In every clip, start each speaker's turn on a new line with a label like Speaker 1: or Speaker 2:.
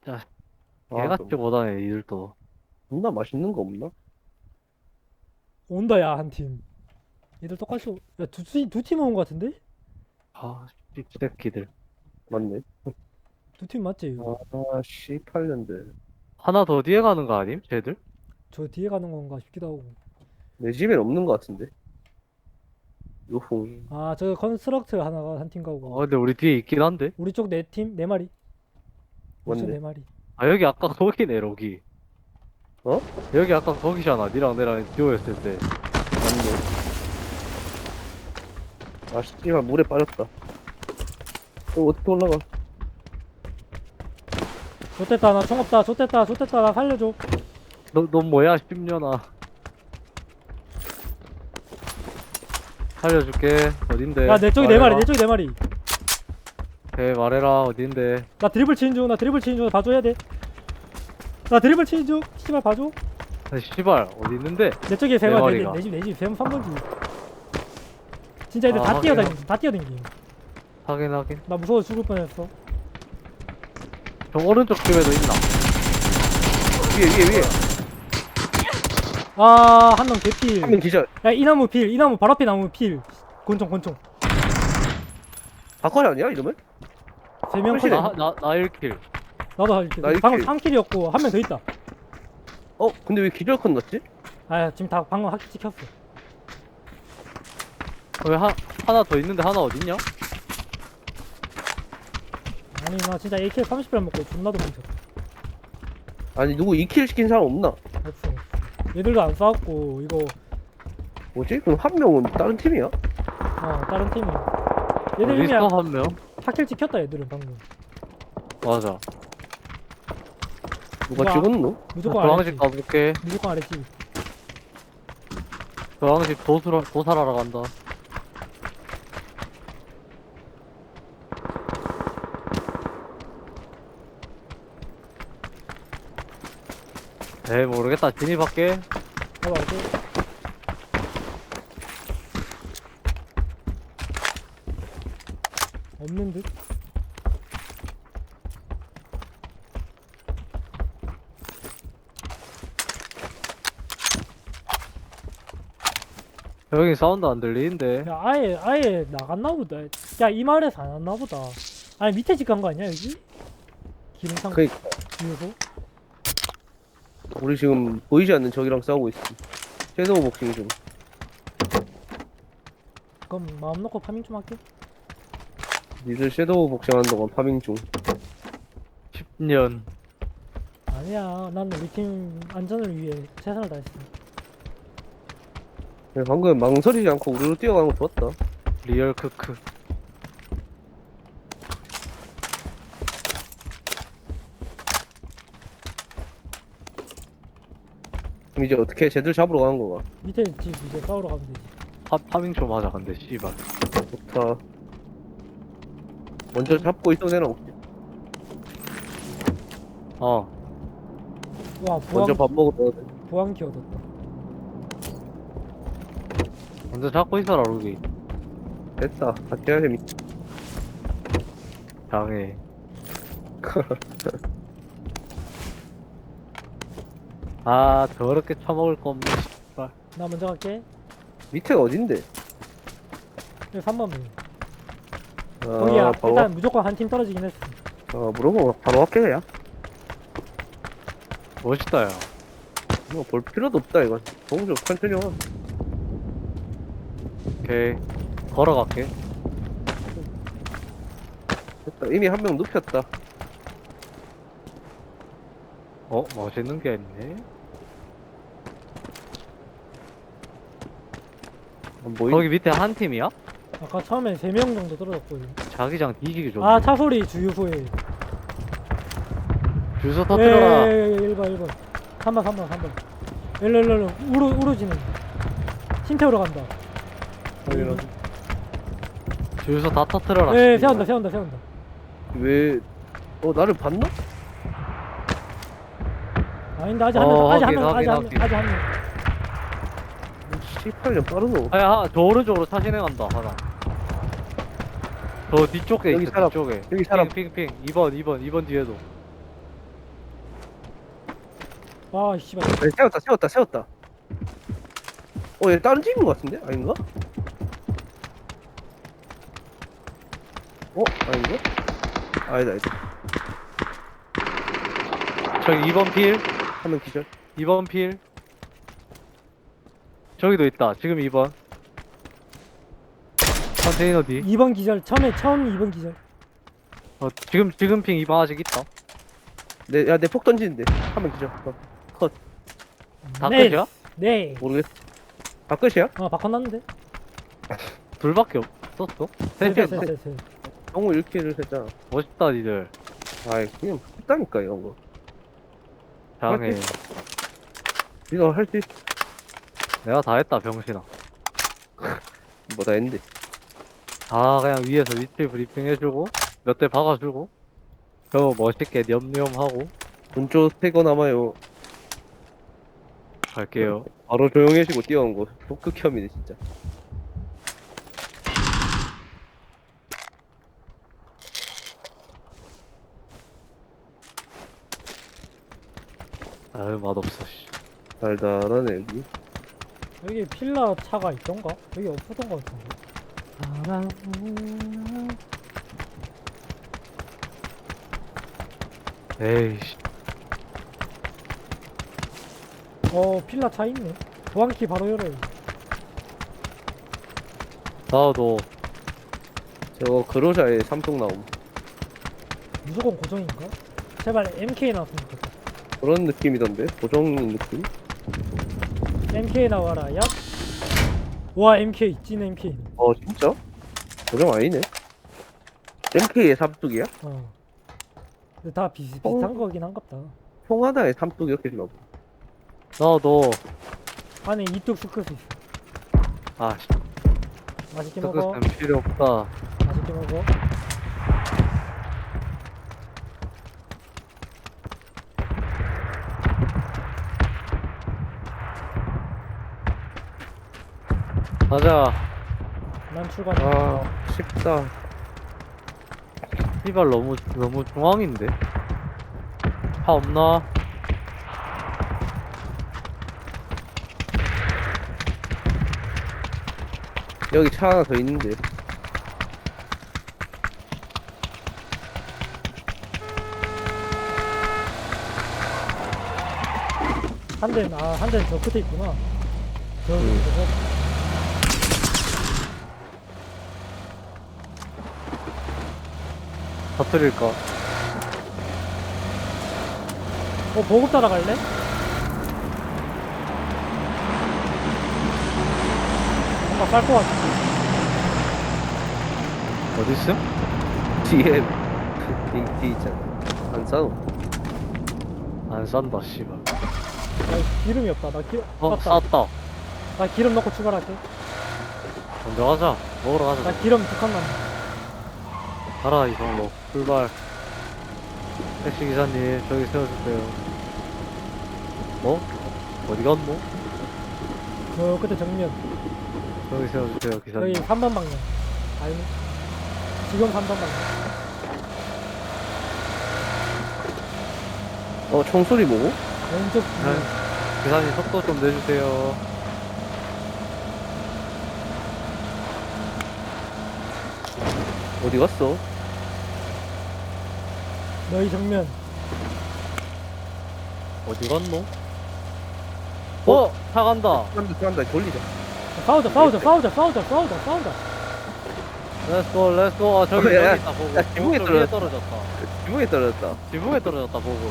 Speaker 1: 자,
Speaker 2: 아,
Speaker 1: 개같이 못하네, 이들도.
Speaker 2: 존나 맛있는 거 없나?
Speaker 3: 온다 야 한 팀. 얘들 똑같이 야두 팀 온 거 같은데?
Speaker 1: 아, 씹새끼들.
Speaker 2: 맞네.
Speaker 3: 두 팀 맞지 이거?
Speaker 2: 아, 18년대.
Speaker 1: 하나 더 뒤에 가는 거 아님? 쟤들?
Speaker 3: 저 뒤에 가는 건가 싶기도 하고.
Speaker 2: 내 집엔 없는 거 같은데. 요홍.
Speaker 3: 아 저 컨스트럭트 하나가 한 팀 가고.
Speaker 1: 근데 우리 뒤에 있긴 한데?
Speaker 3: 우리 쪽 네 팀 네 마리. 우리 쪽
Speaker 2: 맞네.
Speaker 3: 네 마리.
Speaker 1: 아, 여기 아까 거기네, 여기.
Speaker 2: 어?
Speaker 1: 여기 아까 거기잖아, 니랑 내랑 듀오였을 때.
Speaker 2: 맞네. 아, 씨발, 물에 빠졌다. 어떻게 올라가?
Speaker 3: 좋댔다 나 총 없다. 좋댔다 나 살려줘.
Speaker 1: 넌 뭐야, 10년아. 살려줄게. 어딘데?
Speaker 3: 야 내 쪽이 네 마리
Speaker 1: 말해라.
Speaker 3: 내 쪽이 네 마리.
Speaker 1: 오케이, 말해라. 어딘데?
Speaker 3: 나 드리블 치는 중. 나 드리블 치는 중. 봐줘야 돼. 나 드리블 치는 중. 씨발 봐줘.
Speaker 1: 아, 씨발, 어디 있는데?
Speaker 3: 내 쪽에 세
Speaker 1: 네
Speaker 3: 마리.
Speaker 1: 마리가.
Speaker 3: 내집 3번지. 진짜 애들
Speaker 1: 아,
Speaker 3: 다 뛰어다니.
Speaker 1: 확인.
Speaker 3: 다 뛰어다니.
Speaker 1: 확인.
Speaker 3: 나 무서워 죽을 뻔했어.
Speaker 1: 저 오른쪽 집에도 있나?
Speaker 2: 위에.
Speaker 3: 아 한 명 개필.
Speaker 2: 한 명 기절.
Speaker 3: 야 이 나무 필. 이 나무 바로 앞에 나무 필. 권총.
Speaker 2: 바꿔리 아니야, 이러면?
Speaker 3: 세 명
Speaker 2: 확실해.
Speaker 3: 컷.
Speaker 1: 나 1킬.
Speaker 3: 나도 할 킬.
Speaker 2: 나 일
Speaker 3: 방금
Speaker 2: 킬.
Speaker 3: 3킬이었고 한 명 더 있다.
Speaker 2: 근데 왜 기절 컷 났지?
Speaker 3: 아 지금 다 방금 확 찍혔어.
Speaker 1: 왜 하나 더 있는데 하나 어딨냐?
Speaker 3: 아니 나 진짜 AK 30발 먹고 존나도 뭉쳐.
Speaker 2: 아니, 누구 2킬 시킨 사람 없나?
Speaker 3: 없어. 얘들도 안 싸웠고 이거
Speaker 2: 뭐지? 그럼 한 명은 다른 팀이야?
Speaker 3: 다른 팀이. 얘들
Speaker 1: 어디
Speaker 3: 이미
Speaker 1: 있어, 한 명?
Speaker 3: 4킬 찍혔다 얘들은 방금.
Speaker 1: 맞아.
Speaker 2: 누가
Speaker 3: 누가-
Speaker 2: 찍었노?
Speaker 3: 무조건
Speaker 1: 저항집
Speaker 3: 아랬지.
Speaker 1: 가볼게.
Speaker 3: 무조건 아랬지.
Speaker 1: 저항집 도살하러 간다. 에이, 모르겠다. 진입할게.
Speaker 3: 봐봐 이제. 없는 듯?
Speaker 1: 여기 사운드 안 들리는데.
Speaker 3: 야 아예 나갔나 보다. 야 이 마을에서 안 왔나 보다. 아니 밑에 집 간 거 아니야 여기? 기름상
Speaker 2: 그니까.
Speaker 3: 뒤에서?
Speaker 2: 우리 지금 보이지 않는 적이랑 싸우고 있어. 섀도우 복싱 중.
Speaker 3: 그럼 마음 놓고 파밍 좀 할게.
Speaker 2: 니들 섀도우 복싱하는 동안 파밍 중.
Speaker 1: 10년.
Speaker 3: 아니야 난 우리 팀 안전을 위해 최선을 다했어.
Speaker 2: 방금 망설이지 않고 우리로 뛰어가는 거 좋았다.
Speaker 1: 리얼 크크.
Speaker 2: 그럼 이제 어떻게 쟤들 잡으러 가는 거가?
Speaker 3: 밑에 집 이제 싸우러 가면 되지.
Speaker 1: 파밍 좀 하자, 근데, 씨발.
Speaker 2: 좋다. 먼저 잡고 있던 애는 없지.
Speaker 1: 어.
Speaker 3: 와
Speaker 2: 먼저 밥 먹으러 가야 돼.
Speaker 3: 보안키 얻었다.
Speaker 1: 먼저 잡고 있어라, 루기.
Speaker 2: 됐다. 같이 해야 재밌.
Speaker 1: 장애. 아, 더럽게 처먹을 거 없네, 씨발.
Speaker 3: 나 먼저 갈게.
Speaker 2: 밑에가 어딘데?
Speaker 3: 여기 3번 문.
Speaker 2: 아,
Speaker 3: 거기야.
Speaker 2: 바로
Speaker 3: 일단 무조건 한 팀 떨어지긴 했어.
Speaker 2: 물어봐. 바로 할게 그냥.
Speaker 1: 멋있다, 야.
Speaker 2: 뭐 볼 필요도 없다 이건. 동조 천천히 와.
Speaker 1: 오케이. 걸어갈게.
Speaker 2: 됐다. 이미 한 명 눕혔다.
Speaker 1: 멋있는 게 있네.
Speaker 2: 안 보이?
Speaker 1: 거기 밑에 한 팀이야?
Speaker 3: 아까 처음에 3명 정도 떨어졌거든.
Speaker 1: 자기장 뒤지기 좋네.
Speaker 3: 아 차 소리 주유 후에.
Speaker 1: 주소 터뜨려라.
Speaker 3: 1번 3번 일로 우로지는 팀태우러 간다.
Speaker 2: 당연하지.
Speaker 1: 주소 다 터뜨려라.
Speaker 3: 예
Speaker 1: 씨발.
Speaker 3: 세운다.
Speaker 2: 왜? 나를 봤나?
Speaker 3: 아닌데 아직 한 명,
Speaker 1: 어,
Speaker 3: 아직 한
Speaker 1: 확인,
Speaker 3: 명,
Speaker 1: 확인,
Speaker 3: 아직 한 명.
Speaker 2: 18년 빠르노.
Speaker 1: 아야, 저 오른쪽으로 차 진행한다, 하나. 저 뒤쪽에
Speaker 2: 여기
Speaker 1: 있어,
Speaker 2: 사람.
Speaker 1: 뒤쪽에.
Speaker 2: 여기 사람.
Speaker 1: 핑. 2번 뒤에도.
Speaker 3: 아 씨발.
Speaker 2: 아니, 세웠다. 얘 다른 집인 것 같은데? 아닌가? 아닌가? 아니다.
Speaker 1: 저기 2번 필.
Speaker 2: 한 명 기절.
Speaker 1: 2번 필. 저기도 있다. 지금 2번. 컨테이너 뒤.
Speaker 3: 2번 기절. 처음 2번 기절.
Speaker 1: 지금 핑 2번 아직 있다.
Speaker 2: 내 폭 던지는데. 한 명 기절. 컷.
Speaker 1: 다
Speaker 3: 네.
Speaker 1: 끝이야?
Speaker 3: 네.
Speaker 2: 모르겠어. 다 끝이야?
Speaker 3: 바꿔놨는데.
Speaker 1: 둘밖에 없었어? 셋이
Speaker 3: 셋.
Speaker 2: 너무 1킬을 했잖아.
Speaker 1: 멋있다 니들.
Speaker 2: 아이, 그냥 했다니까, 이런 거.
Speaker 1: 장해.
Speaker 2: 네가 할 수 있어.
Speaker 1: 내가 다 했다 병신아.
Speaker 2: 뭐다 했는데.
Speaker 1: 다 그냥 위에서 위치 브리핑 해주고 몇 대 박아주고 저 멋있게 념념하고
Speaker 2: 본조 3거 남아요.
Speaker 1: 갈게요.
Speaker 2: 바로 조용해지고 뛰어온 거. 독극혐이네, 진짜.
Speaker 1: 아유 맛없어 씨.
Speaker 2: 달달하네, 여기.
Speaker 3: 여기 필라 차가 있던가? 여기 없었던 것 같은데.
Speaker 1: 에이씨.
Speaker 3: 필라 차 있네. 보안키 바로 열어요.
Speaker 1: 나도
Speaker 2: 저거 그로자의 삼성 나옴.
Speaker 3: 무조건 고정인가? 제발 MK 나왔으면 좋겠다.
Speaker 2: 그런 느낌이던데? 고정 느낌?
Speaker 3: MK 나와라, 야. 와, MK, 찐 MK.
Speaker 2: 진짜? 고정 아니네. MK의 삼뚝이야?
Speaker 3: 근데 다 비슷한 거긴 한갑다.
Speaker 2: 통하나의 삼뚝 이렇게 주나 보다.
Speaker 1: 나도
Speaker 3: 안에 이뚝 스크스 있어.
Speaker 1: 아씨
Speaker 3: 맛있게 먹어.
Speaker 1: 스크스는 필요 없다.
Speaker 3: 맛있게 먹어.
Speaker 1: 가자.
Speaker 3: 난 출발.
Speaker 2: 쉽다.
Speaker 1: 이발 너무 중앙인데. 차 없나?
Speaker 2: 여기 차 하나 더 있는데.
Speaker 3: 한 대는 저 끝에 있구나. 저기, 저거.
Speaker 1: 터뜨릴까?
Speaker 3: 보급 따라갈래? 뭔가 쌀 것 같은데.
Speaker 1: 어딨음?
Speaker 2: 뒤에 뒤 있잖아. 안 싸워.
Speaker 1: 안 싼다 씨발.
Speaker 3: 나 기름이 없다. 맞다.
Speaker 1: 쌌다.
Speaker 3: 나 기름 넣고 출발할게.
Speaker 1: 먼저 가자. 먹으러
Speaker 3: 나
Speaker 1: 가자.
Speaker 3: 기름 2칸 남아.
Speaker 1: 가라 이성로. 출발. 택시 기사님 저기 세워주세요. 뭐? 어디 갔노?
Speaker 3: 저 끝에 정면.
Speaker 1: 저기 세워주세요
Speaker 3: 여기
Speaker 1: 기사님.
Speaker 3: 3번 방향. 아니. 지금 3번 방향.
Speaker 2: 총소리 뭐고?
Speaker 3: 왼쪽
Speaker 1: 네. 기사님 속도 좀 내주세요.
Speaker 2: 어디 갔어?
Speaker 3: 너희 정면.
Speaker 1: 어디 갔노? 차 간다.
Speaker 2: 들어간다. 돌리자.
Speaker 3: 싸우자.
Speaker 1: 렛츠고. 아 저기
Speaker 2: 야,
Speaker 1: 여기 있다 보고.
Speaker 2: 야, 지붕에
Speaker 1: 보고 위에
Speaker 2: 떨어졌다.
Speaker 1: 떨어졌다.
Speaker 2: 지붕에 떨어졌다.
Speaker 1: 지붕에 떨어졌다 보고.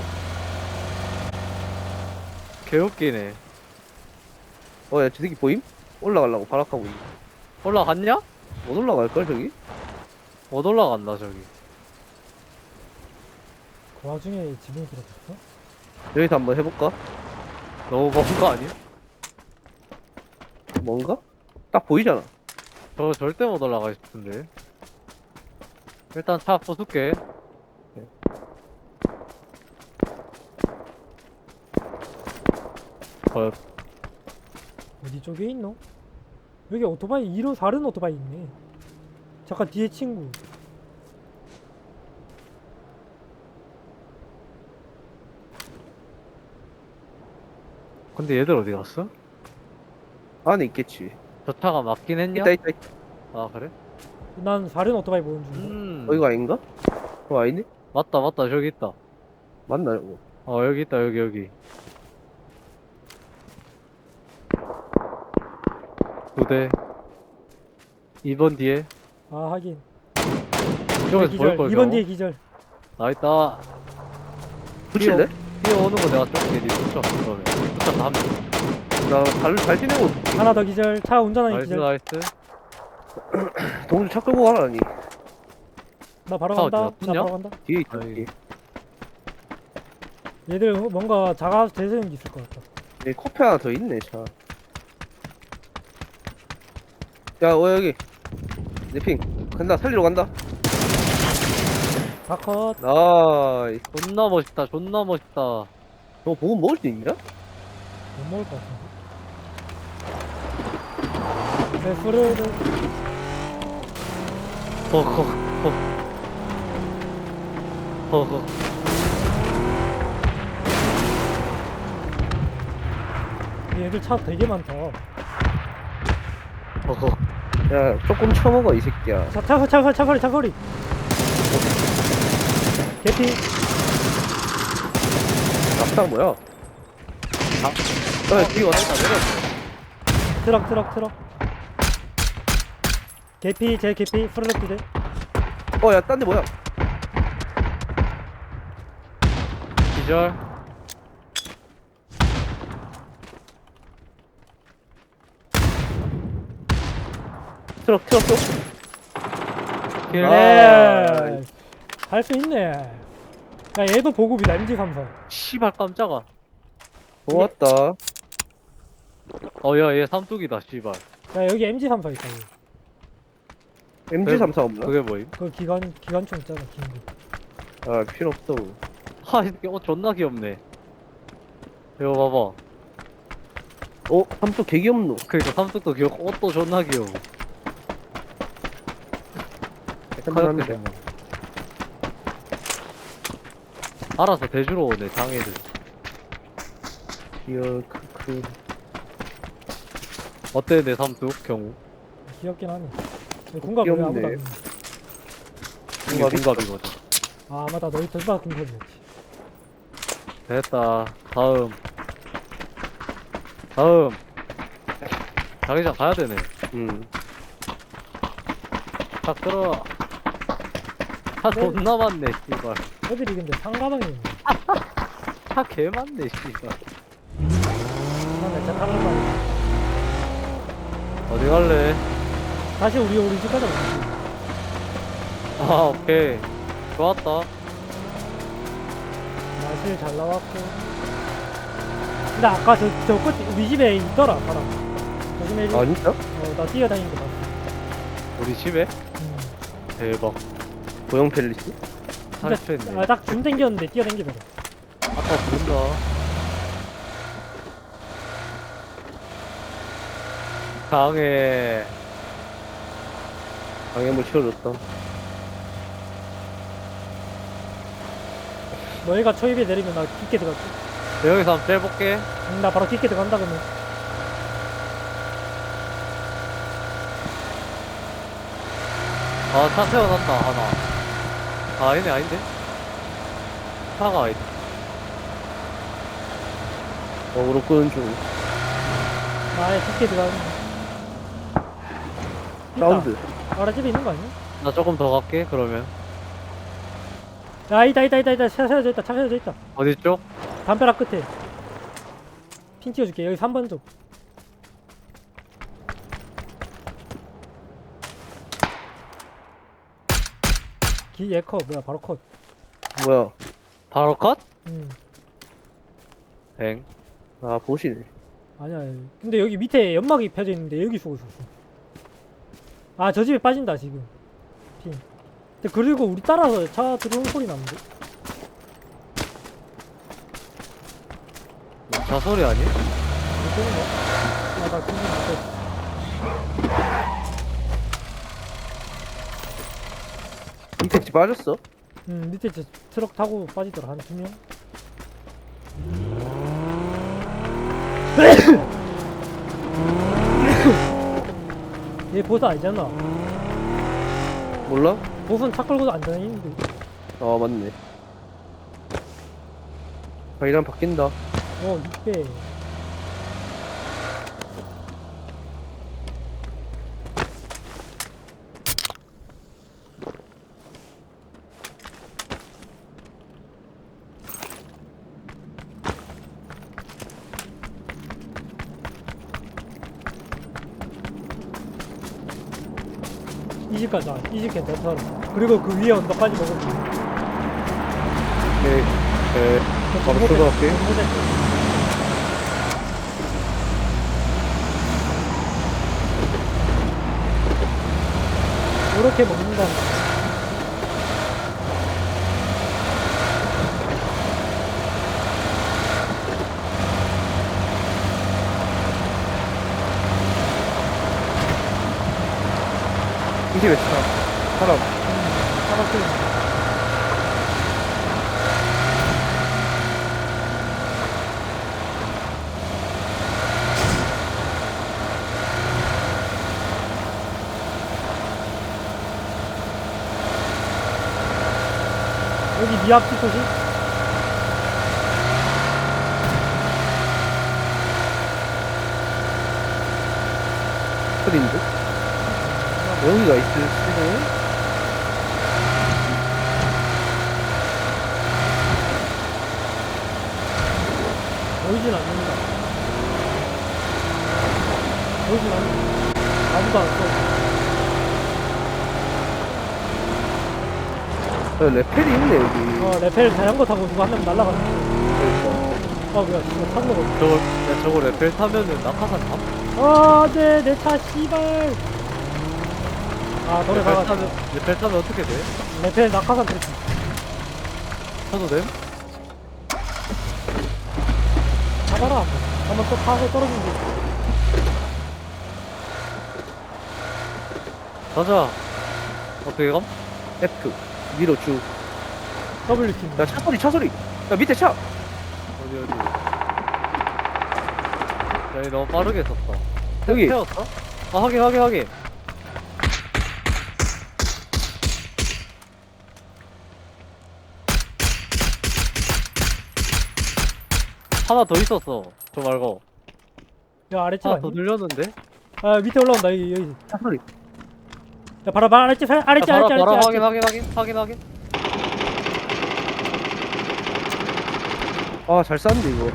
Speaker 1: 개웃기네.
Speaker 2: 야, 저 새끼 보임? 올라가려고 발악하고 있네.
Speaker 1: 올라갔냐?
Speaker 2: 못 올라갈걸, 저기?
Speaker 1: 못 올라간다 저기.
Speaker 3: 그 와중에 지붕이 들어갔어?
Speaker 2: 여기서 한번 해볼까?
Speaker 1: 너무 먼 거 아니야?
Speaker 2: 뭔가? 딱 보이잖아.
Speaker 1: 저 절대 못 올라가 싶은데. 일단 차 부술게.
Speaker 3: 어디 쪽에 있노? 여기 오토바이 2로 다른 오토바이 있네. 잠깐 뒤에 친구.
Speaker 1: 근데 얘들 어디 갔어?
Speaker 2: 안에 있겠지.
Speaker 1: 저 차가 맞긴 했냐?
Speaker 2: 있다.
Speaker 1: 아 그래?
Speaker 3: 난 사륜 오토바이 보는 중인데.
Speaker 2: 이거 아닌가? 아니네?
Speaker 1: 맞다 저기 있다.
Speaker 2: 맞나 이거?
Speaker 1: 여기 있다 여기 2대 2번 뒤에
Speaker 3: 아 하긴.
Speaker 1: 이쪽에서
Speaker 3: 기절.
Speaker 1: 보일걸
Speaker 3: 2번 뒤에 기절.
Speaker 1: 나있다.
Speaker 2: 붙일래?
Speaker 1: 뛰어오는 거 내가 쫓게 니 쫓아 그러면 쫓아 다 하면
Speaker 2: 나잘 지내고
Speaker 3: 하나 더 기절. 차 운전하는
Speaker 1: 나이스
Speaker 3: 기절.
Speaker 1: 나이스.
Speaker 2: 동주 차 끌고 가라니.
Speaker 3: 나 바로
Speaker 1: 차
Speaker 3: 간다.
Speaker 1: 어디야?
Speaker 3: 나
Speaker 1: 붙냐?
Speaker 3: 바로 간다.
Speaker 2: 뒤에 있다.
Speaker 1: 아이.
Speaker 2: 뒤에.
Speaker 3: 얘들 뭔가 자가 재세운 게 있을 것 같다.
Speaker 2: 여기 커피 하나 더 있네 차. 야, 여기. 내핑 간다. 살리러 간다.
Speaker 3: 다 컷.
Speaker 2: 나이스.
Speaker 1: 존나 멋있다 존나 멋있다.
Speaker 2: 너 보고 먹을 수 있냐?
Speaker 3: 못 먹을 것 같은데. 내 술을
Speaker 1: 허허
Speaker 3: 얘들 차 되게 많다.
Speaker 1: 허허.
Speaker 2: 야, 조금 쳐먹어 이 새끼야.
Speaker 3: 차거리. 개피.
Speaker 2: 낙상 뭐야? 뒤에 왔다 내렸어.
Speaker 3: 트럭. 개피 제 개피 프로젝트 제.
Speaker 2: 야, 딴 데 뭐야?
Speaker 1: 기절.
Speaker 2: 트럭.
Speaker 1: 킬.
Speaker 3: 네. 할 수 있네. 야 얘도 보급이다 MG34.
Speaker 1: 씨발 깜짝아.
Speaker 2: 고맙다.
Speaker 1: 야얘 삼뚝이다 씨발.
Speaker 3: 야 여기 MG34 있다. 여기.
Speaker 2: MG34 없나?
Speaker 1: 그게 뭐임?
Speaker 3: 그 기관총 있잖아 긴 거.
Speaker 2: 아, 필요 없어.
Speaker 1: 이 새끼 존나 귀엽네. 이거
Speaker 2: 삼뚝 개 귀엽노.
Speaker 1: 그니까 삼뚝도 귀엽고 옷도 존나 귀여워.
Speaker 2: 한번
Speaker 1: 카약게 알아서 대주러 오네 장애들.
Speaker 2: 그
Speaker 1: 어때 내 삼뚝 경우?
Speaker 3: 귀엽긴 하네. 군갑 왜 아무도 안
Speaker 2: 귀엽네.
Speaker 3: 입는
Speaker 1: 이게
Speaker 2: 군갑이
Speaker 1: 군갑이거든.
Speaker 3: 아 맞다 너희 둘다 군갑이었지.
Speaker 1: 됐다. 다음 자기장 가야 되네. 딱 들어. 차
Speaker 3: 네.
Speaker 1: 존나 많네 씨발.
Speaker 3: 애들이 근데 상가방에 있네.
Speaker 1: 차 개 많네 씨발.
Speaker 3: 나내 차 타는 거
Speaker 1: 어디 갈래?
Speaker 3: 다시 우리 집 가자.
Speaker 1: 오케이 좋았다.
Speaker 3: 날씨 잘 나왔고. 근데 아까 저 끝 우리 집에 있더라 사람. 조심해.
Speaker 2: 아, 진짜?
Speaker 3: 나 뛰어다니는 거 봤어.
Speaker 1: 우리 집에? 대박.
Speaker 2: 고형 펠리스?
Speaker 1: 탈출했네.
Speaker 3: 딱 줌 땡겼는데 뛰어다니더라.
Speaker 1: 아까 부른다. 강해.
Speaker 2: 방해물 치워줬다.
Speaker 3: 너희가 초입에 내리면 나 깊게 들어갈게.
Speaker 1: 여기서 한번 째볼게.
Speaker 3: 나 바로 깊게 들어간다 그러면.
Speaker 1: 차 세워놨다 하나. 얘네 아닌데? 차가 아니다.
Speaker 2: 어그로 끄는 중.
Speaker 3: 아예 깊게 들어가는.
Speaker 2: 사운드.
Speaker 3: 아래 집에 있는 거 아니야?
Speaker 1: 나 조금 더 갈게 그러면.
Speaker 3: 야 있다 차 세워져 있다.
Speaker 1: 어디 쪽?
Speaker 3: 담벼락 끝에 핀 띄워줄게. 여기 3번 쪽. 얘컷 뭐야 바로 컷.
Speaker 2: 뭐야?
Speaker 1: 바로 컷?
Speaker 3: 음
Speaker 1: 엥.
Speaker 2: 아, 보시네.
Speaker 3: 아니야. 근데 여기 밑에 연막이 펴져 있는데 여기 쏘고 있었어. 아 저 집에 빠진다 지금 핀. 근데 그리고 우리 따라서 차 들어오는 소리 나는데.
Speaker 1: 차 소리 아니?
Speaker 3: 못 되는 거야? 아나 궁금 못해.
Speaker 2: 밑에 집 빠졌어?
Speaker 3: 밑에 저 트럭 타고 빠지더라 한 2명. 얘 보스 아니잖아.
Speaker 2: 몰라?
Speaker 3: 보스는 차 끌고도 안 다니는데.
Speaker 2: 아 맞네. 아 이랑 바뀐다.
Speaker 3: 6배. 이 집 가자. 이 집 괜찮더라. 그리고 그 위에 언덕까지 먹으면 돼.
Speaker 2: 네. 네. 바로 들어갈게.
Speaker 3: 이렇게 먹는다.
Speaker 2: 이 집에 차. 사람.
Speaker 3: 사람들. 여기 니 앞뒤 소식?
Speaker 2: 어딘데? 여기가 있을 수는?
Speaker 3: 보이진 않는다. 보이진 않는다. 아무도 안 써.
Speaker 2: 레펠이 있네 여기.
Speaker 3: 레펠 자전거 타고 누가 한 명 날라가는
Speaker 2: 그러니까.
Speaker 3: 뭐야, 이거 탄 거거든.
Speaker 1: 저거 레펠 타면은 낙하산 탐?
Speaker 3: 네, 내 차, 씨발. 노래 나가.
Speaker 1: 레펠 타면 어떻게 돼?
Speaker 3: 레펠 낙하산 됐지.
Speaker 1: 타도 돼?
Speaker 3: 타봐라, 한번 또 타고 떨어지면 돼.
Speaker 1: 가자. 어떻게 감?
Speaker 2: F 위로 쭉.
Speaker 3: W팀.
Speaker 2: 야 차 소리. 야 밑에 차.
Speaker 1: 어디. 야, 이 너무 빠르게 썼다.
Speaker 2: 여기.
Speaker 1: 태웠어? 아, 확인. 하나 더 있었어. 저 말고.
Speaker 3: 야, 아래쪽
Speaker 1: 하나 더
Speaker 3: 아니?
Speaker 1: 늘렸는데?
Speaker 3: 밑에 올라온다, 여기.
Speaker 2: 차 소리.
Speaker 3: 야, 봐라, 아래쪽, 아래쪽.
Speaker 1: 바로 확인.
Speaker 2: 아 잘 쐈는데 이거.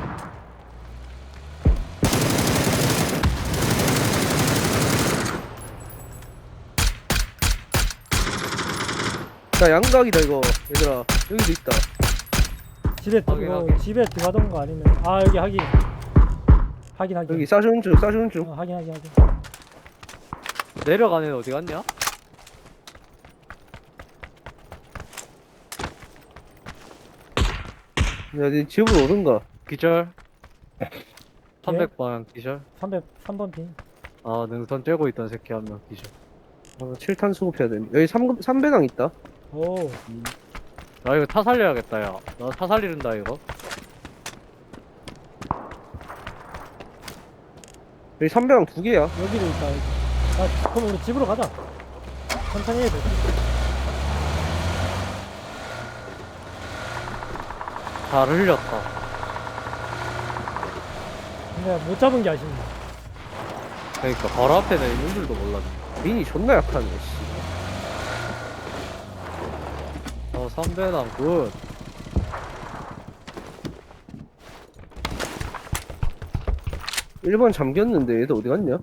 Speaker 2: 자 양각이다 이거 얘들아. 여기도 있다.
Speaker 3: 집에,
Speaker 1: 확인.
Speaker 3: 집에 들어가던가 아니면, 여기 확인.
Speaker 2: 여기 싸주는 중.
Speaker 3: 확인.
Speaker 1: 내려가는 애 어디 갔냐?
Speaker 2: 야, 네 집으로 오든가.
Speaker 1: 기절. 300방 기절.
Speaker 3: 3번 핀.
Speaker 1: 아, 능선 쬐고 있던 새끼 한 명 기절.
Speaker 2: 7탄 수급해야 돼. 여기 3배당 있다.
Speaker 3: 오,
Speaker 1: 나 이거 차 살려야겠다, 야. 나 차 살리는다, 이거.
Speaker 2: 여기 3배당 2개야.
Speaker 3: 여기도 있다, 여기. 그럼 우리 집으로 가자. 천천히 해야 돼.
Speaker 1: 잘 흘렸다.
Speaker 3: 근데 못 잡은 게 아쉽네.
Speaker 1: 그러니까 바로 앞에는 있는 줄도 몰랐네.
Speaker 2: 민이 존나 약하네, 씨.
Speaker 1: 3배당 굿.
Speaker 2: 일번 잠겼는데 얘들 어디 갔냐?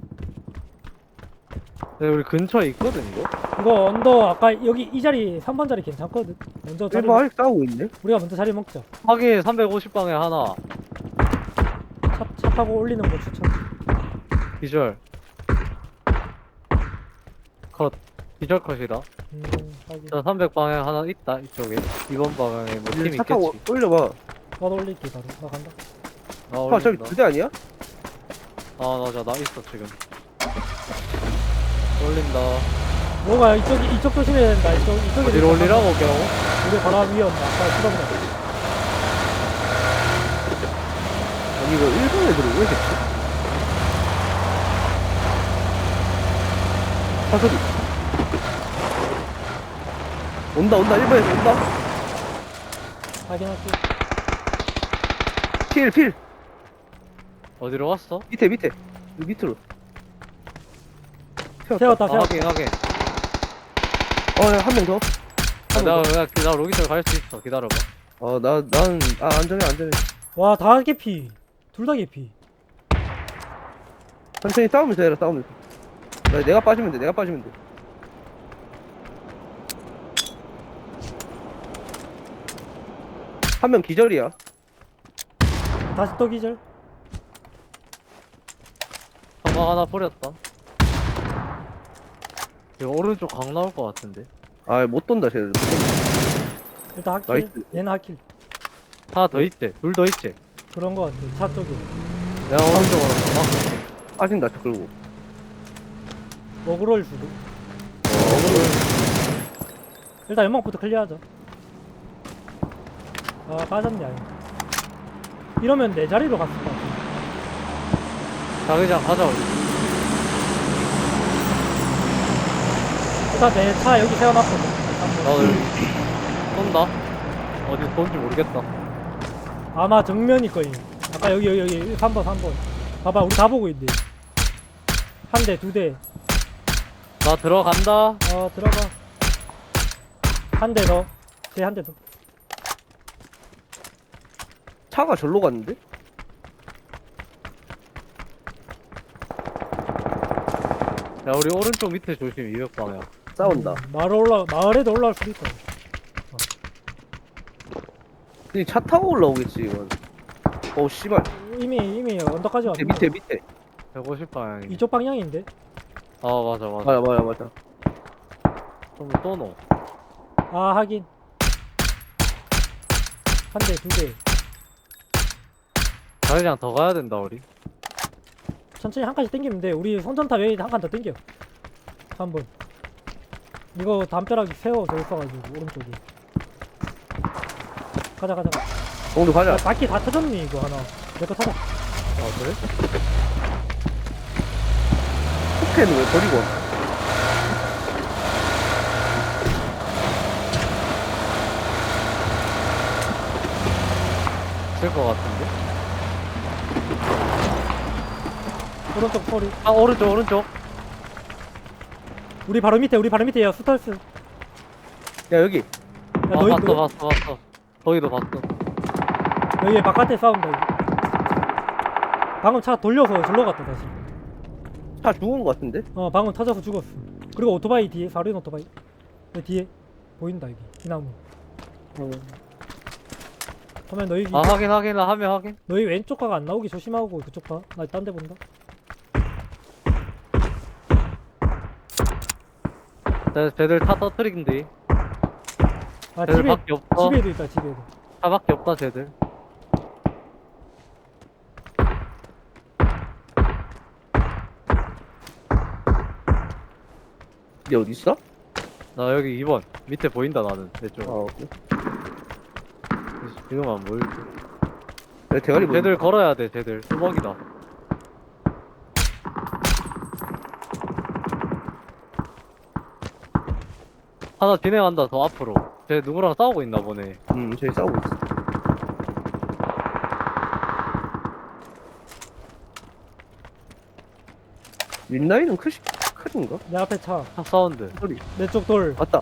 Speaker 1: 네, 우리 근처에 있거든, 이거?
Speaker 3: 이거 언더 아까 여기 이 자리 3번 자리 괜찮거든. 먼저 자리
Speaker 2: 1번 아직 싸우고 있네?
Speaker 3: 우리가 먼저 자리 먹자.
Speaker 1: 확인 350방에 하나.
Speaker 3: 차 타고 올리는 거 추천.
Speaker 1: 기절. 컷. 기절 컷이다.
Speaker 3: 확인.
Speaker 1: 자, 300방향 하나 있다, 이쪽에. 2번 방향에 뭐 팀
Speaker 2: 차 타고
Speaker 1: 있겠지.
Speaker 2: 올려봐.
Speaker 3: 나도 올릴게 바로. 나 간다.
Speaker 1: 나
Speaker 2: 저기
Speaker 1: 올린다.
Speaker 2: 2대 아니야?
Speaker 1: 맞아, 나 있어, 지금. 올린다.
Speaker 3: 뭐가 이쪽 조심해야 된다. 이쪽에
Speaker 1: 어디로 올리라고, 겨우?
Speaker 3: 우리 바로 위에 온다. 아까 수동다.
Speaker 2: 아니 이거 1번 애들이 왜 됐지? 사소리. 온다, 1번에서 온다.
Speaker 3: 확인할게.
Speaker 2: 필.
Speaker 1: 어디로 갔어?
Speaker 2: 밑에. 여기 밑으로.
Speaker 3: 세웠다,
Speaker 1: 아,
Speaker 3: 세웠다.
Speaker 1: 확인.
Speaker 2: 한 명 더.
Speaker 1: 아, 나 로기들 갈 수 있어. 기다려봐.
Speaker 2: 안전해.
Speaker 3: 와, 다 개피. 둘 다 개피.
Speaker 2: 천천히 싸우면서 해라, 싸우면서. 내가 빠지면 돼. 한 명 기절이야.
Speaker 3: 다시 또 기절.
Speaker 1: 가방 하나 뿌렸다. 이거 오른쪽 강 나올 것 같은데.
Speaker 2: 못 돈다, 쟤들.
Speaker 3: 일단 하킬.
Speaker 2: 나이스.
Speaker 3: 얘는 하킬.
Speaker 1: 하나 더 있지? 둘 더 있지?
Speaker 3: 그런 거 같아. 차 쪽에.
Speaker 1: 내가 오른쪽으로 가봐.
Speaker 2: 빠진다, 저 끌고.
Speaker 3: 먹으러 주고. 일단 연막부터 클리어하자. 아, 빠졌네, 아예. 이러면 내 자리로 갔을 것 같아.
Speaker 1: 자기장 가자, 우리.
Speaker 3: 일단 내 차 여기 세워놨거든.
Speaker 1: 나도 여기 쏜다. 어디 쏜지 모르겠다.
Speaker 3: 아마 정면일 거임. 아까 여기 3번. 봐봐, 우리 다 보고 있네. 한 대, 두 대.
Speaker 1: 나 들어간다.
Speaker 3: 들어가. 한 대 더. 쟤 한 대 더.
Speaker 2: 차가 절로 갔는데?
Speaker 1: 야, 우리 오른쪽 밑에 조심, 200방향.
Speaker 2: 싸운다.
Speaker 3: 마을에도 올라올 수도 있다.
Speaker 2: 근데 차 타고 올라오겠지, 이건. 씨발.
Speaker 3: 이미 언덕까지 왔네.
Speaker 2: 밑에.
Speaker 1: 150방향이.
Speaker 3: 이쪽 방향인데?
Speaker 1: 아, 맞아.
Speaker 2: 맞아.
Speaker 1: 좀 쏘노.
Speaker 3: 아, 하긴. 한 대, 두 대.
Speaker 1: 자기장 더 가야 된다, 우리.
Speaker 3: 천천히 한 칸씩 땡기면 돼. 우리 성전탑 외에 한 칸 더 땡겨. 3번. 이거 담벼락 세워져 있어가지고, 오른쪽에. 가자.
Speaker 2: 공도 가자.
Speaker 3: 바퀴 다 터졌니, 이거 하나. 내 거 타자.
Speaker 1: 그래?
Speaker 2: 포켓은 왜 버리고 왔어?
Speaker 1: 쓸것 같은데?
Speaker 3: 오른쪽 소리.
Speaker 1: 아, 오른쪽.
Speaker 3: 우리 바로 밑에, 야, 스탈스. 야,
Speaker 2: 야, 여기.
Speaker 1: 봤어. 거기도 봤어.
Speaker 3: 여기 바깥에 싸운다, 여기. 방금 차 돌려서 절로 갔다, 다시.
Speaker 2: 차 죽은 거 같은데?
Speaker 3: 방금 터져서 죽었어. 그리고 오토바이 뒤에, 사륜 오토바이. 여기 뒤에. 보인다, 여기. 이 나무. 그러면 너희,
Speaker 1: 아, 확인. 하면 확인.
Speaker 3: 너희 왼쪽 가가 안 나오기 조심하고 그쪽 봐. 나 딴 데 본다.
Speaker 1: 쟤들 타 터트린데.
Speaker 3: 아,
Speaker 1: 쟤들 밖에 없어.
Speaker 3: 집에도 있다, 집에도.
Speaker 1: 차밖에 없다, 쟤들.
Speaker 2: 얘 어디 있어?
Speaker 1: 나 여기 2번. 밑에 보인다, 나는. 내 쪽.
Speaker 2: 오케이.
Speaker 1: 지금 안 보일지.
Speaker 2: 야, 대가리 보인다.
Speaker 1: 쟤들 걸어야 돼, 쟤들. 수박이다. 하나 진행한다, 더 앞으로. 쟤 누구랑 싸우고 있나 보네.
Speaker 2: 저기 싸우고 있어. 윗라인은 큰인가?
Speaker 3: 내 앞에 차.
Speaker 1: 차 사운드.
Speaker 2: 소리.
Speaker 3: 내 쪽 돌.
Speaker 2: 맞다.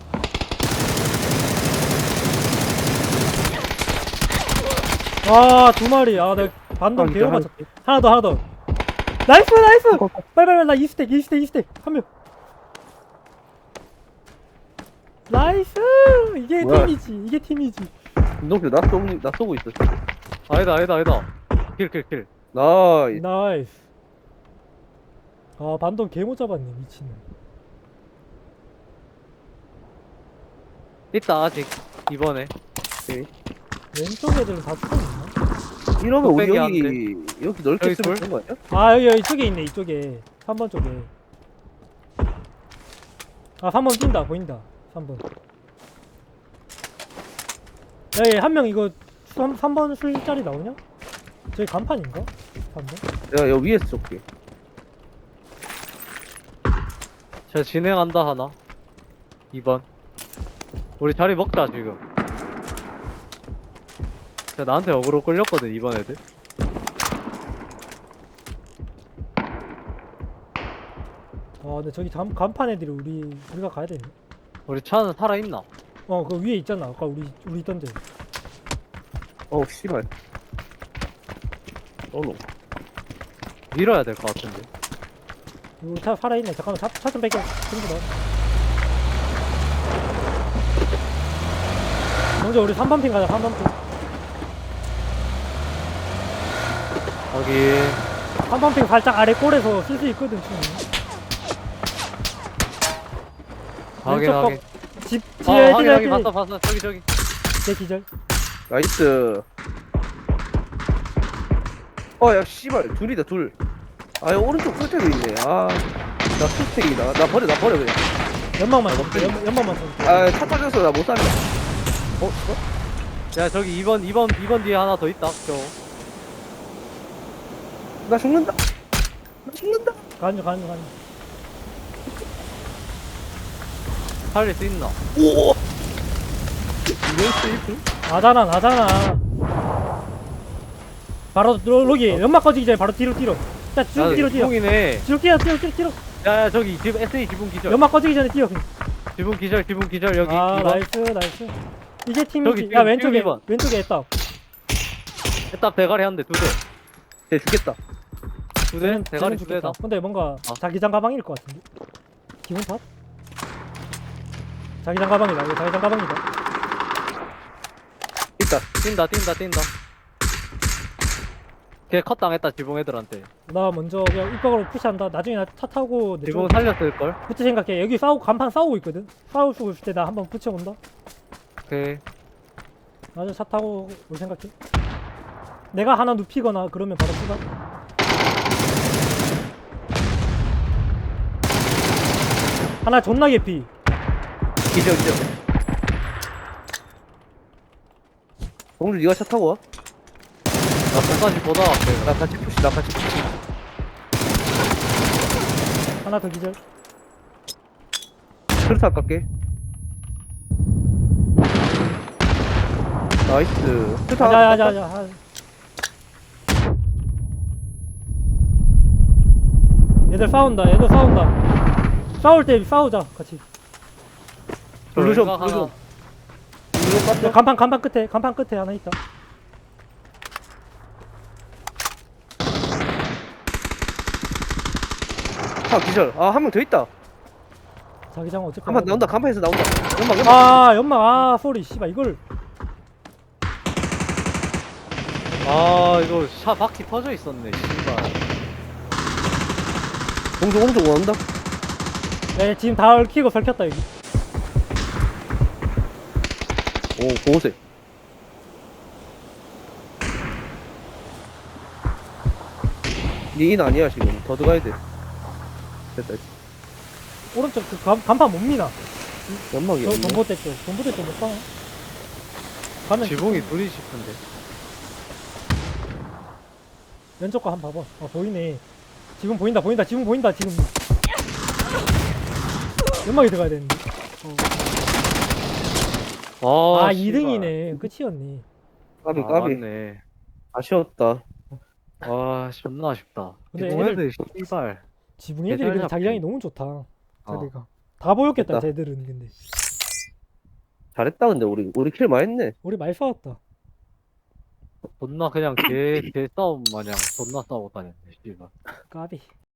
Speaker 3: 아, 두 마리. 아, 내 반동 개로
Speaker 2: 한-
Speaker 3: 맞췄대. 하나 더. 나이스! 빨리, 나 2스택. 한 명. 나이스! 이게
Speaker 2: 뭐야?
Speaker 3: 팀이지.
Speaker 2: 운동표 나 쏘고 있어.
Speaker 1: 아니다. 킬.
Speaker 2: 나이스.
Speaker 3: 나이스. 아, 반동 개 못 잡았네, 미친놈.
Speaker 1: 있다, 아직. 이번에.
Speaker 3: 왼쪽 애들은 다 죽었나?
Speaker 2: 이러면 우리
Speaker 1: 뚝배기 안
Speaker 2: 여기 넓게
Speaker 1: 여기
Speaker 2: 쓰면
Speaker 1: 돌?
Speaker 2: 되는 거 아니야?
Speaker 3: 아, 여기 이쪽에 있네, 이쪽에. 3번 쪽에. 아, 3번 뛴다, 보인다. 3번. 야, 한 명 이거 3번 술자리 나오냐? 저기 간판인가? 3번?
Speaker 2: 내가 여기 위에서 쏠게.
Speaker 1: 자, 진행한다, 하나. 2번. 우리 자리 먹자, 지금. 자, 나한테 어그로 끌렸거든, 이번 애들.
Speaker 3: 근데 저기 간판 애들이 우리가 가야 되네.
Speaker 1: 우리 차는 살아있나?
Speaker 3: 그 위에 있잖아. 아까 우리 있던 데.
Speaker 2: 씨발. 너
Speaker 1: 밀어야 될 것 같은데.
Speaker 3: 우리 차 살아있네. 잠깐만, 차 좀 뺄게. 친구다. 먼저 우리 3번 핑 가자, 3번 핑.
Speaker 1: 확인.
Speaker 3: 3번 핑 살짝 아래 꼴에서 쓸 수 있거든, 지금.
Speaker 1: 확인,
Speaker 3: 왼쪽
Speaker 1: 확인.
Speaker 3: 집,
Speaker 1: 아,
Speaker 3: 뒤에
Speaker 1: 확인, 확인.
Speaker 3: 애들,
Speaker 1: 봤어. 저기.
Speaker 3: 내 기절.
Speaker 2: 나이스. 야, 씨발. 둘이다, 둘. 야, 오른쪽 끝에도 있네. 나 투스택이다. 나 버려, 그냥.
Speaker 3: 연막만 쏠게, 연막만 쏠게.
Speaker 2: 차 터져서 나 못 살려. 씨발?
Speaker 1: 야, 저기 2번 뒤에 하나 더 있다, 저.
Speaker 2: 나 죽는다.
Speaker 3: 가는 중.
Speaker 1: 살릴 수 있나?
Speaker 2: 오! 이런 세이프?
Speaker 3: 나잖아. 바로, 여기, 연막 꺼지기 전에 바로 뒤로. 자, 쭉 뒤로.
Speaker 1: 지붕이네.
Speaker 3: 뒤로 뛰어.
Speaker 1: 야, 저기, SE 지붕 기절.
Speaker 3: 연막 꺼지기 전에 뛰어.
Speaker 1: 지붕 기절, 여기.
Speaker 3: 아,
Speaker 1: 2번.
Speaker 3: 나이스. 이게 팀이지.
Speaker 1: 저기,
Speaker 3: 야,
Speaker 1: 지금 이번.
Speaker 3: 왼쪽에 있다.
Speaker 1: 딱 대가리 한 대, 2대.
Speaker 2: 쟤 죽겠다.
Speaker 1: 2대? 대가리 2대다.
Speaker 3: 근데 뭔가 자기장 가방일 것 같은데. 기분 탓? 자기장 가방이다. 이거 자기장 가방이다.
Speaker 2: 있다.
Speaker 1: 뛴다. 걔 컷 당했다, 지붕 애들한테.
Speaker 3: 나 먼저 그냥 입각으로 푸시한다. 나중에 나 차 타고 내
Speaker 1: 지붕
Speaker 3: 쪽
Speaker 1: 살렸을걸?
Speaker 3: 붙을 생각해. 여기 간판 싸우고 있거든. 싸우고 있을 때 나 한번 붙여온다.
Speaker 1: 오케이.
Speaker 3: 나중에 차 타고 올 생각해. 내가 하나 눕히거나 그러면 바로 추가. 하나 존나 개피.
Speaker 2: 기절. 동주, 니가 차 타고 와.
Speaker 1: 나 끝까지 보다 갈게.
Speaker 2: 나 같이 푸시.
Speaker 3: 하나 더 기절.
Speaker 2: 트루타 깎게. 나이스. 트루타.
Speaker 3: 가자. 얘들 싸운다. 싸울 때 싸우자 같이.
Speaker 2: 블루존.
Speaker 1: 하나.
Speaker 2: 블루존
Speaker 3: 야,
Speaker 2: 깠어?
Speaker 3: 간판 끝에 하나 있다.
Speaker 2: 기절. 한 명 더 있다.
Speaker 3: 자기장 어차피
Speaker 2: 간판 나온다. 간판에서 나온다.
Speaker 3: 연막 소리 씨발 이걸.
Speaker 1: 이거 차 바퀴 터져 있었네, 씨발.
Speaker 2: 동주 오른쪽 온다.
Speaker 3: 야, 지금 다 얽히고 설켰다 여기.
Speaker 2: 오, 보호색. 니인 아니야, 지금. 더 들어가야 돼. 됐다.
Speaker 3: 오른쪽 그 간판 못 미나.
Speaker 2: 연막이 없네.
Speaker 3: 전봇대 쪽 못 봐. 가면
Speaker 1: 지붕이 둘이 싶은데.
Speaker 3: 왼쪽 거 한번 봐봐. 보이네. 지금 보인다. 지금 연막이 들어가야 되는데.
Speaker 1: 씨발.
Speaker 3: 2등이네. 끝이었니.
Speaker 2: 까비.
Speaker 1: 맞네.
Speaker 2: 아쉬웠다.
Speaker 1: 존나 아쉽다.
Speaker 3: 근데
Speaker 1: 지붕 애들, 씨발.
Speaker 3: 지붕 애들이
Speaker 1: 개잘
Speaker 3: 근데 자기장이
Speaker 1: 잡히네.
Speaker 3: 너무 좋다. 자리가 다 보였겠다.
Speaker 2: 됐다.
Speaker 3: 쟤들은 근데
Speaker 2: 잘했다, 근데 우리 킬 많이 했네.
Speaker 3: 우리 많이 싸웠다.
Speaker 1: 존나 그냥 개 싸움 마냥 존나 싸우고 다녔네, 씨발.
Speaker 3: 까비.